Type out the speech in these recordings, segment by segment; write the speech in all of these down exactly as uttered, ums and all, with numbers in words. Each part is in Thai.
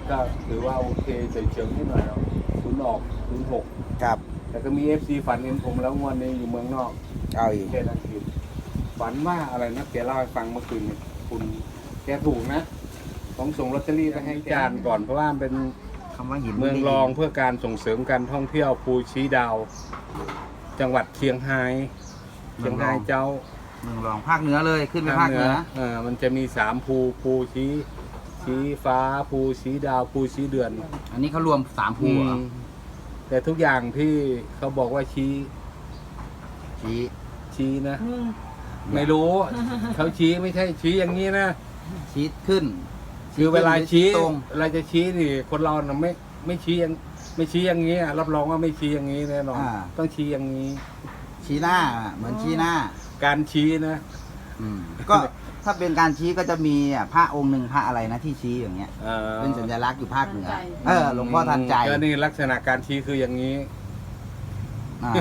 ก็ถือว่าโอเคเฉียงๆนิดหน่อยเนาะศูนย์ออกศูนย์หกครับแต่ก็มีเอฟซีฝันเห็นผมแล้วงวดนี้อยู่เมืองนอกเอาอีกแค่นั้นคือฝันว่าอะไรนะแกเล่าให้ฟังเมื่อคืนนี้คุณแกถูกนะต้องส่งลอตเตอรี่ไปให้จานก่อนเพราะว่าเป็นคำว่าหินเมืองรองเพื่อการส่งเสริมการท่องเที่ยวภูชี้ดาว จังหวัดเชียงรายเชียงรายเจ้าเมืองรองภาคเหนือเลยขึ้นไปภาคเหนือเออมันจะมีสามภูภูชี้ชี้ฟ้าภูชี้ดาวภูชี้เดือนอันนี้เขารวมสามภูเหรออืมแต่ทุกอย่างที่เขาบอกว่าชี้ชี้ชี้นะ ไม่รู้ เขาชี้ไม่ใช่ชี้อย่างนี้นะชี้ขึ้นคือเวลาชี้ตรงเวลาจะชี้นี่คนเราน่ะไม่ไม่ชี้อย่างไม่ชี้อย่างนี้อะรับรองว่าไม่ชี้อย่างนี้แน่นอนต้องชี้อย่างนี้ชี้หน้าเหมือนชี้หน้าการชี้นะอืมก็ถ้าเป็นการชี้ก็จะมีอ่ะพระองค์หนึ่งพระอะไรนะที่ชี้อย่างเงี้ยเอ่อเป็นสัญลักษณ์อยู่ภาคเหนือเออหลวงพ่อทันใจก็นี่ลักษณะการชี้คืออย่างนี้อ่า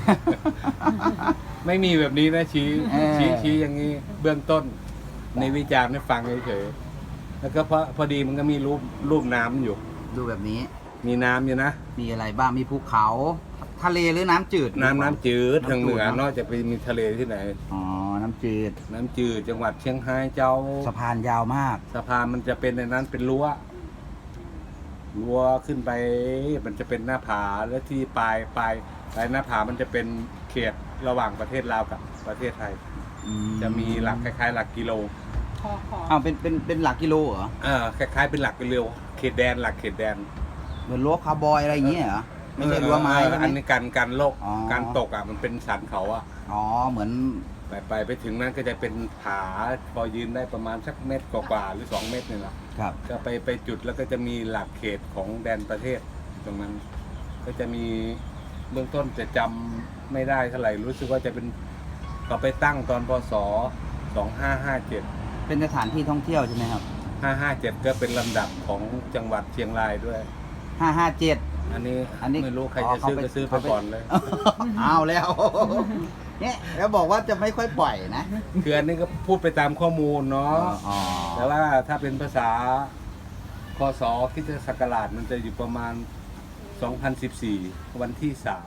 ไม่มีแบบนี้นะชี้เออชี้ชี้อย่างนี้ เบื้องต้น ในวิจารณ์ให้ฟังเฉยๆแล้วก็พอพอดีมันก็มีรูปรูปน้ำอยู่ดูแบบนี้มีน้ำอยู่นะมีอะไรบ้างมีภูเขา ทะเลหรือน้ำจืดน้ำน้ำจืดทางเหนือำจืดนอกจากไปมีทะเลที่ไหนอ๋อน้ำจืดน้ำจืดจังหวัดเชียงรายเจ้าสะพานยาวมากสะพานมันจะเป็นในนั้นเป็นรั้วรั้วขึ้นไปมันจะเป็นหน้าผาแล้วที่ปลายปลายปลายหน้าผามันจะเป็นเขตระหว่างประเทศลาวกับประเทศไทยอืจะมีหลักคล้ายๆ หลักกิโลขอขออ้าวเป็นเป็นเป็นหลักกิโลเหรอเออคล้ายๆเป็นหลักกิโลเขตแดนหลักเขตแดนเหมือนรั้วคาวบอยอะไรอย่างเงี้ยเหรอไม่ใช่รั้วไม้เออใช่ไหมอันนี้การการโลกอ๋อการตกอ่ะมันเป็นสันเขาอ่ะอ๋อเหมือนไปไปไปถึงนั้นก็จะเป็นผาพอยืนได้ประมาณสักเมตรกว่าๆหรือสองเมตรนี่แหละครับก็ไปไปจุดแล้วก็จะมีหลักเขตของแดนประเทศตรงนั้น ก็จะมีเบื้องต้นจะจำไม่ได้เท่าไหร่รู้สึกว่าจะเป็นเขาไปตั้งตอนพศสองห้าห้าเจ็ดเป็นสถานที่ท่องเที่ยวใช่ไหมครับห้าห้าเจ็ดก็เป็นลำดับของจังหวัดเชียงรายด้วยห้าห้าเจ็ดอันนี้อันนี้ไม่รู้ใครอ๋อจะซื้อเขาไปก็ซื้อไปเขาไปก่อนเลยเอาแล้ว เนี่ยแล้วบอกว่าจะไม่ค่อยปล่อยนะคืออันนี้ก็พูดไปตามข้อมูลเนาะอ๋อแต่ว่าถ้าเป็นภาษาคศคริสตศักราชมันจะอยู่ประมาณ สองพันสิบสี่ วันที่สาม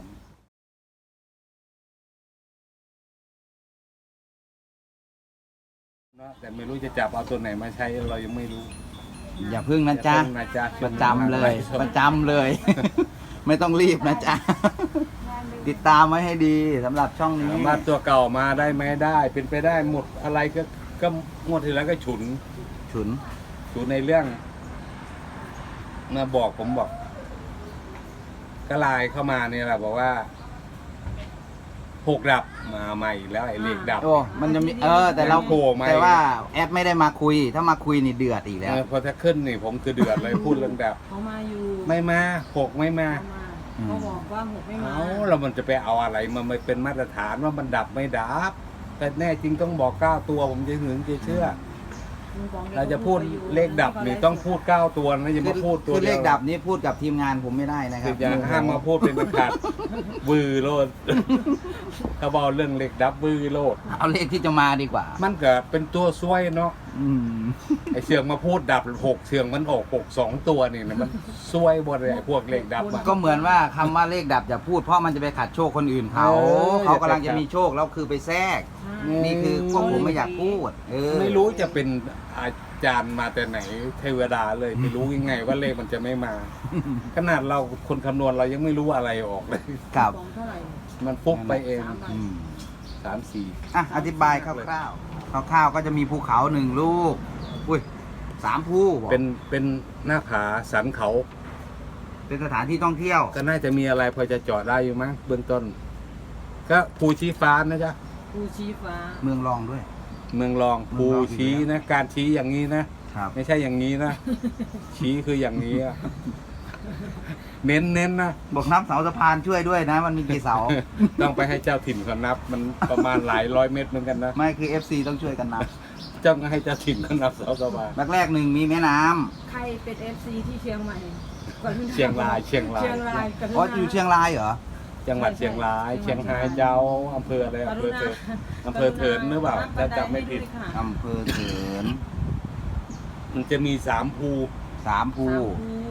เนาะแต่ไม่รู้จะจับเอาตัวไหนมาใช้เรายังไม่รู้อย่าพึ่งนะจ๊ะอย่าเพิ่งนะจ๊ะประจำเลย ประจำเลย ไม่ต้องรีบนะจ๊ะ ติดตามไว้ให้ดีสำหรับช่องนี้สามารถตัวเก่ามาได้ไหมได้ เป็นไปได้หมดอะไรก็ก็งวดที่แล้วก็ฉุนฉุนฉุนในเรื่องมาบอกผมบอก ก็ไลน์เข้ามาเนี่ยแหละบอกว่าหกดับมาใหม่อีกแล้วไอ้เลขดับโอ้มันจะมีเออ แต่เราโผล่มาแต่ว่าแอดไม่ได้มาคุย ถ้ามาคุยนี่เดือดอีกแล้วเออพอถ้าขึ้นนี่ผมคือเดือดเลย พูดเรื่องดับเขามาอยู่ไม่มาหกไม่มาเขามาเขาบอกว่าหกไม่มาเอาเรามันจะไปเอาอะไรมาไม่เป็นมาตรฐานว่ามันดับไม่ดับ แต่แน่จริงต้องบอกเก้าตัวผมจะถึงจะเชื่อ เราจะพูดเลขดับนี่ต้องพูดเก้าตัวนะอย่าคืมาอพูดตัวคือเดีเลยวขดับนี้พูดกับทีมงานผมไม่ได้นะคคืรัอบ อย่าห้ามมาพูดเป็นประกาศวือโลดเขาบอกเรื่องเลขดับวือโลดเอาเลขที่จะมาดีกว่ามันก็เป็นตัวซวยเนาะอืมไอเชืองมาพูดดับหกเชืองมันออกหกสองตัวนี่นะมันซวยหมดเลยไอ้พวกเลขดับอะก็เหมือนว่าคำว่าเลขดับอย่าพูดเพราะมันจะไปขัดโชคคนอื่นเขาเออเขากำลังจะมีโชคแล้วคือไปแทรก นี่คือพวกผมไม่อยากพูด เออไม่รู้จะเป็นอาจารย์มาแต่ไหนเทวดาเลยไม่รู้ยังไงว่าเลขมันจะไม่มา ขนาดเราคนคำนวณเรายังไม่รู้อะไรออกเลยครับของเท่าไหร่มันฟุกไปเองสามใบอืมสามสี่อ่ะอธิบายคร่าวๆคร่าวๆก็จะมีภูเขาหนึ่งลูก อุ้ยสามภูบอกเป็นเป็นหน้าผาสันเขาเป็นสถานที่ท่องเที่ยวก็น่าจะมีอะไรพอจะเจาะได้อยู่มั้งเบื้องต้น ก็ภูชี้ฟ้านะจ๊ะภูชีฟ้าเมืองรองด้วยเมืองรองเมืภูองรองชี้นะ การชี้อย่างนี้นะครับไม่ใช่อย่างนี้นะ ชี้คืออย่างนี้อะเน้นเน้นนะบอกนับเสาสะพานช่วยด้วยนะ มันมีกี่เสาต้องไปให้เจ้าถิ่นเขานับ มันประมาณหลายร้อยเมตรเหมือนกันนะไม่คือ เอฟ ซี ต้องช่วยกันนับเจ้าก็ให้เจ้าถิ่นเขานับเสาสะพานแรกๆหนึ่งมีแม่น้ำใครเป็นเอฟซีที่เชียงใหม่กรุณาเชียงรายเชียงรายเชียงรายกรุณาอ๋ออยู่เชียงรายเหรอจังหวัดเชียงราย เชียงรายเจ้าอำเภออะไรอำเภอเถินอำเภอเถินหรือเปล่าถ้าจำไม่ผิดอำเภอเถินมันจะมีสามภูสามภูสามภู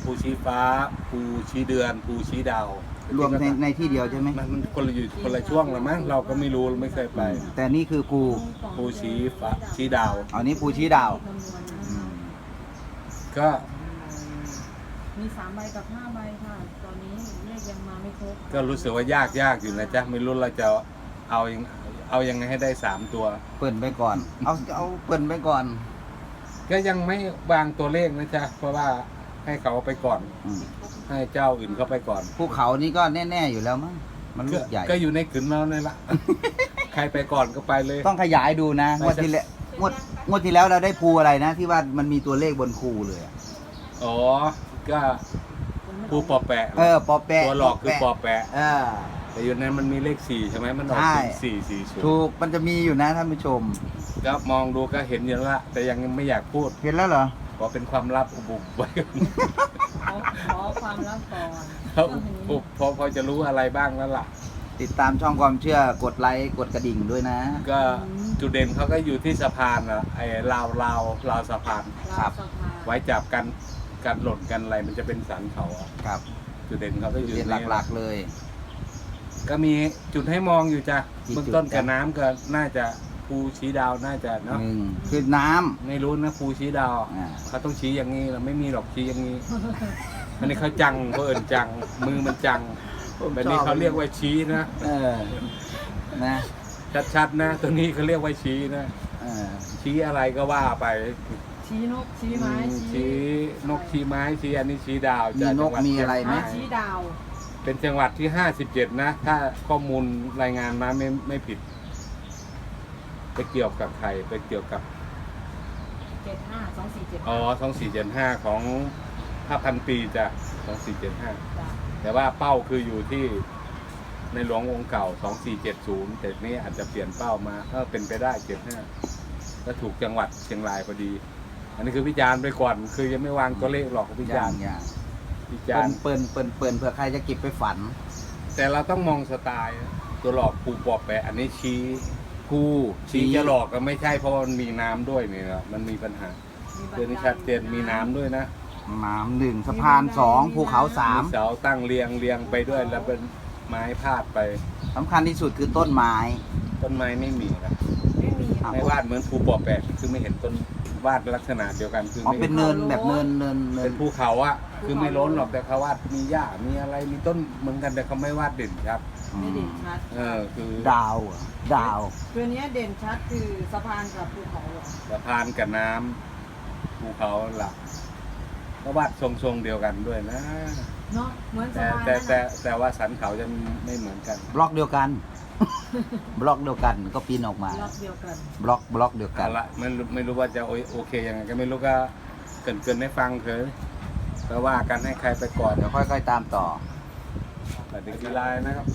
ภูชี้ฟ้า ภูชี้เดือน ภูชี้ดาวรวมในในที่เดียวใช่ไหมมันมันคนละอยู่คนละช่วงละมั้งเราก็ไม่รู้เราไม่เคยไปแต่นี่คือภูภูชี้ฟ้าชี้ดาวอันนี้ภูชี้ดาวคำนวณนะอืมก็มีสามใบกับห้าใบค่ะ ตอนนี้เลขยังมาไม่ครบก็รู้สึกว่ายากยากอยู่นะจ๊ะไม่รู้เราจะเอายังเอายังไงให้ได้สามตัวเปิดไปก่อน เอาเอาเปิดไปก่อนก็ยังไม่วางตัวเลขนะจ๊ะเพราะว่าให้เขาเอาไปก่อนอืมให้เจ้าอื่นเข้าไปก่อนภูเขานี่ก็แน่ๆอยู่แล้วมั้งมันลูกใหญ่ก็อยู่ในขืนเราเนี่ยละ ใครไปก่อนก็ไปเลยต้องขยายดูนะงวดที่แล้วงวดงวดที่แล้วเราได้ภูอะไรนะ ที่ว่ามันมีตัวเลขบนภูเลยอะอ๋อ ก็ผู้ปอแปะเออปอแปะตัวหลอกคือปอแปะเออแต่อยู่นั้นมันมีเลขสี่ใช่ไหมมันออกใช่สี่สี่ศูนถูย์กมันจะมีอยู่นะท่านผู้ชมก็มองดูก็เห็นอยู่แล้วละแต่ยังไม่อยากพูดเห็นแล้วเหรอเพราะเป็นความลับอุบุบไว้ก่อนขอขอความลับก่อนเขาอุบอุบพอพอจะรู้อะไรบ้างแล้วล่ะติดตามช่องความเชื่อกดไลค์กดกระดิ่งด้วยนะก็จุดเด่นเขาก็อยู่ที่สะพานอะไอ้ราวราวราวสะพานครับสภาไว้จับกันกันหล่นกันอะไรมันจะเป็นสันเขาอะครับจุดเด่นเขาก็อยู่เรียนในหลักๆเลยก็มีจุดให้มองอยู่จ้ะกี่จุดเบื้องต้นกับจ๊ะน้ำก็น่าจะภูชี้ดาวน่าจะเนาะหนึ่งคือน้ำไม่รู้นะภูชี้ดาวอ่าเขาต้องชี้อย่างนี้เราไม่มีหรอกชี้อย่างนี้ อันนี้เขาจังเขาเอินจัง มือมันจังแบบนี้เขาเรียกว่าชี้นะเออนะชัดๆนะตัวนี้เขาเรียกว่าชี้นะเออชี้อะไรก็ว่าไปชี้นกชี้ไม้อืมชี้นกชี้ไม้ชี้อันนี้ชี้ดาวมีจากนจักงหวัดมีอะไรไหมอ่าชี้ดาวเป็นจังหวัดที่ห้าสิบเจ็ดนะ ถ้าข้อมูลรายงานมาไม่ไม่ผิด ไปเกี่ยวกับใครไปเกี่ยวกับเจ็ดห้าสองสี่เจ็ดอ๋อสองสี่เจ็ดห้าของห้าพันปีจ้ะสองสี่เจ็ดห้าจ้ะแต่ว่าเป้าคืออยู่ที่ในหลวงองค์เก่าสองสี่เจ็ดศูนย์แต่นี้อาจจะเปลี่ยนเป้ามาเออเป็นไปได้เจ็ดห้าก็ถูกจังหวัดเชียงรายพอดี อันนี้คือวิจารณ์ไปก่อน คือยังไม่วางตัวเลขหรอกวิอจาย่าร งณ์อย่างวิเปิจารนณ์เปินเปินเปินเผื่อใครจะเก็บไปฝันแต่เราต้องมองสไตล์ตัวหลอกปูปอบแปะอันนี้ชี้ภูชี้จะหลอกก็ไม่ใช่เพราะมันมีน้ำด้วยนี่นะมันมีปัญหาเรื่องนี้ชัดเจนมีน้ำด้วยนะน้ำหนึ่งสะพานสองภูเขาสามเสาตั้งเรียงเรียงไปด้วยแล้วเป็นไม้พาดไปสำคัญที่สุดคือต้นไม้ต้นไม้ไม่มีนะไม่มีครับไม่วาดเหมือนภูปอบแปะคือไม่เห็นต้นวาดลักษณะเดียวกันคืออ๋อไม่เป็นเนินแบบเนินเนินเนิเป็น นภูเขาอะคือไม่ล้นหรอกแต่เขาวาดมีหญ้ามีอะไรมีต้นเหมือนกันแต่เขาไม่วาดเด่นครับไม่เด่นชัดเออคือดาวเหรอดาวตัวเนี้ยเด่นชัดคือสะพานกับภูเขาเหรอสะพานกับน้ำภูเขาหลักก็วาดทรงๆเดียวกันด้วยนะเนาะเหมือนสะแต่พานแต่นั่นแต่น่ะแต่ว่าสันเขาจะไม่เหมือนกันบล็อกเดียวกัน บล็อกเดียวกันก็ปีนออกมาล็อกเดียวกันบล็อกบล็อกเดียวกัเอานละไม่รู้ไม่รู้ว่าจะโอโอเคยังไงก็ไม่รู้ก็เกรินเกินให้ฟังเถอะก็ว่ากันให้ใครไปก่อนเดี๋ยวค่อยๆตามต่อแต่เด็กกีฬานะครับ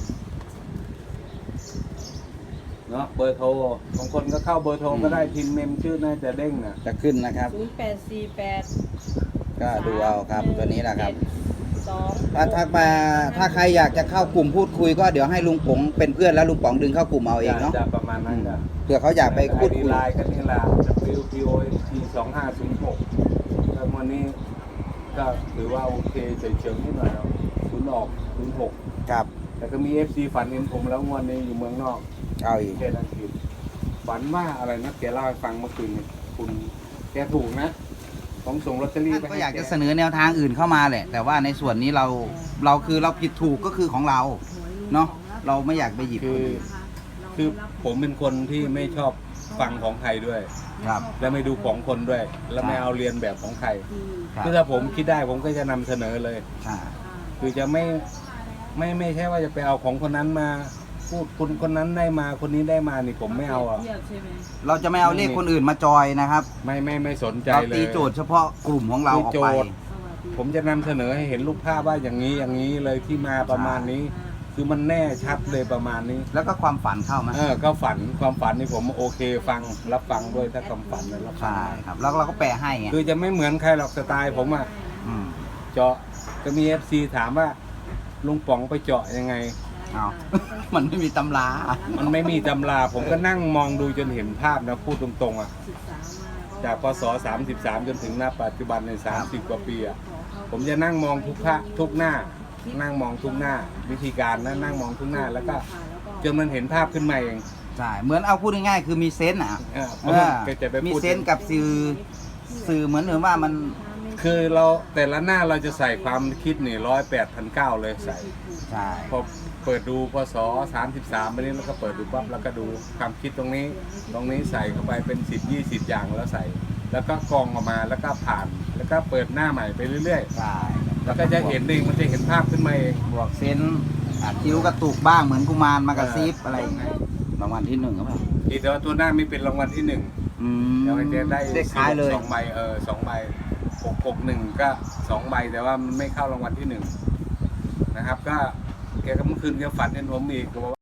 เนาะเบอร์โทรบางคนก็เข้าเบอร์โทรก็ได้พิมพ์เมมชื่อน่าจะเด้งอ่ะจะขึ้นนะครับศูนย์แปดสี่แปดก็ดูเอาครับตัวนี้แหละครับสองถ้าทักมาถ้าใครอยากจะเข้ากลุ่มพูดคุยก็เดี๋ยวให้ลุงป๋องเป็นเพื่อนแล้วลุงป๋องดึงเข้ากลุ่มเอาเองเนาะจะประมาณนั้นจ้ะเผื่อเขาอยากไปพูดคุยไลน์ก็นี่แหละ W P O N T สองห้าศูนย์หกแล้ววันนี้ก็ถือว่าโอเคเฉยๆนิดหน่อยศูนย์ออกศูนย์หกครับแต่ก็มี เอฟ ซี ฝันเห็นผมแล้วงวดนี้อยู่เมืองนอกเอาอีกประเทศอังกฤษฝันว่าอะไรนะแกเล่าให้ฟังเมื่อคืนนี้คุณแกถูกนะผมส่งลอตเตอรี่ไปก็ให้อยากจะแเสนอแนวทางอื่นเข้ามาแหละ แต่ว่าในส่วนนี้เราเราคือเราผิดถูกก็คือของเรา เนาะเราไม่อยากไปหยิบคือ คือผมเป็นคนที่ไม่ชอบฟังของใครด้วยครับและไม่ดูของคนด้วย และไม่เอาเรียนแบบของใครครับคือถ้าผมคิดได้ผมก็จะนำเสนอเลยอ่าคือจะไม่ไม่ไม่ใช่ว่าจะไปเอาของคนนั้นมาพูดคนคนนั้นได้มาคนนี้ได้มานี่ผมไม่เอาอ่ะเทียบใช่ไหมเราจะไม่เอาเลขคนอื่นมาจอยนะครับไม่ไม่ไม่สนใจเราเลยตีโจทย์เฉพาะกลุ่มของเราออกไปตีโจทย์ ผมจะนำเสนอให้เห็นรูปภาพว่าอย่างนี้อย่างนี้เลยที่มาประมาณนี้ คือมันแน่ชัดเลยประมาณนี้แล้วก็ความฝันเข้ามาเออก็ฝันความฝันนี่ผมโอเคฟังรับฟังด้วยถ้าความฝันนะรับฟังใช่ครับ แล้วเราก็แปลให้ไงคือจะไม่เหมือนใครหรอกสไตล์ผมอ่ะอืมเจาะก็มี เอฟ ซี ถามว่าลุงป๋องไปเจาะยังไงเอา มันไม่มีตำรามันไม่มีตำราผมก็นั่งมองดูจนเห็นภาพนะพูดตรงๆอ่ะศึกษามาก็จากพศสามสิบสามจนถึงณปัจจุบันในสามสิบกว่าปีอะผมจะนั่งมองทุกพระทุกหน้า นั่งมองทุกหน้า วิธีการนะนั่งมองทุกหน้าแล้วก็จนมันเห็นภาพขึ้นมาเองใช่เหมือนเอาพูดง่ายๆคือมีเซนส์อ่ะเออเออก็จะไปมีพูดเซนส์กับสื่อสื่อเหมือนเหมือนว่ามันคือเราแต่ละหน้าเราจะใส่ความคิดนี่ร้อยแปดพันเก้าเลยใส่ใช่พอเปิดดูพศสามสิบสามไปนี้แล้วก็เปิดดูปั๊บแล้วก็ดูความคิดตรงนี้ ตรงนี้ใส่เข้าไปเป็นสิบยี่สิบอย่างแล้วใส่ แล้วก็กรองออกมาแล้วก็ผ่าน แล้วก็เปิดหน้าใหม่ไปเรื่อยใช่ๆ แล้วก็จะเห็นเองมันจะเห็นภาพขึ้นมาเองบวกเซนส์อ่ะคิ้วกระตุกบ้างเหมือนกุมารมากระซิบอะไรอย่างเงี้ยรางวัลที่หนึ่งหรือเปล่าทีแต่ว่าตัวหน้าไม่เป็นรางวัลที่หนึ่งอืมเดี๋ยวมันจะได้เลขท้ายเลยสองใบเออสองใบหกหกหนึ่งก็สองใบแต่ว่ามันไม่เข้ารางวัลที่หนึ่งนะครับ ก็แกก็เมื่อคืนแกฝันเห็นผมอีกก็บอกว่า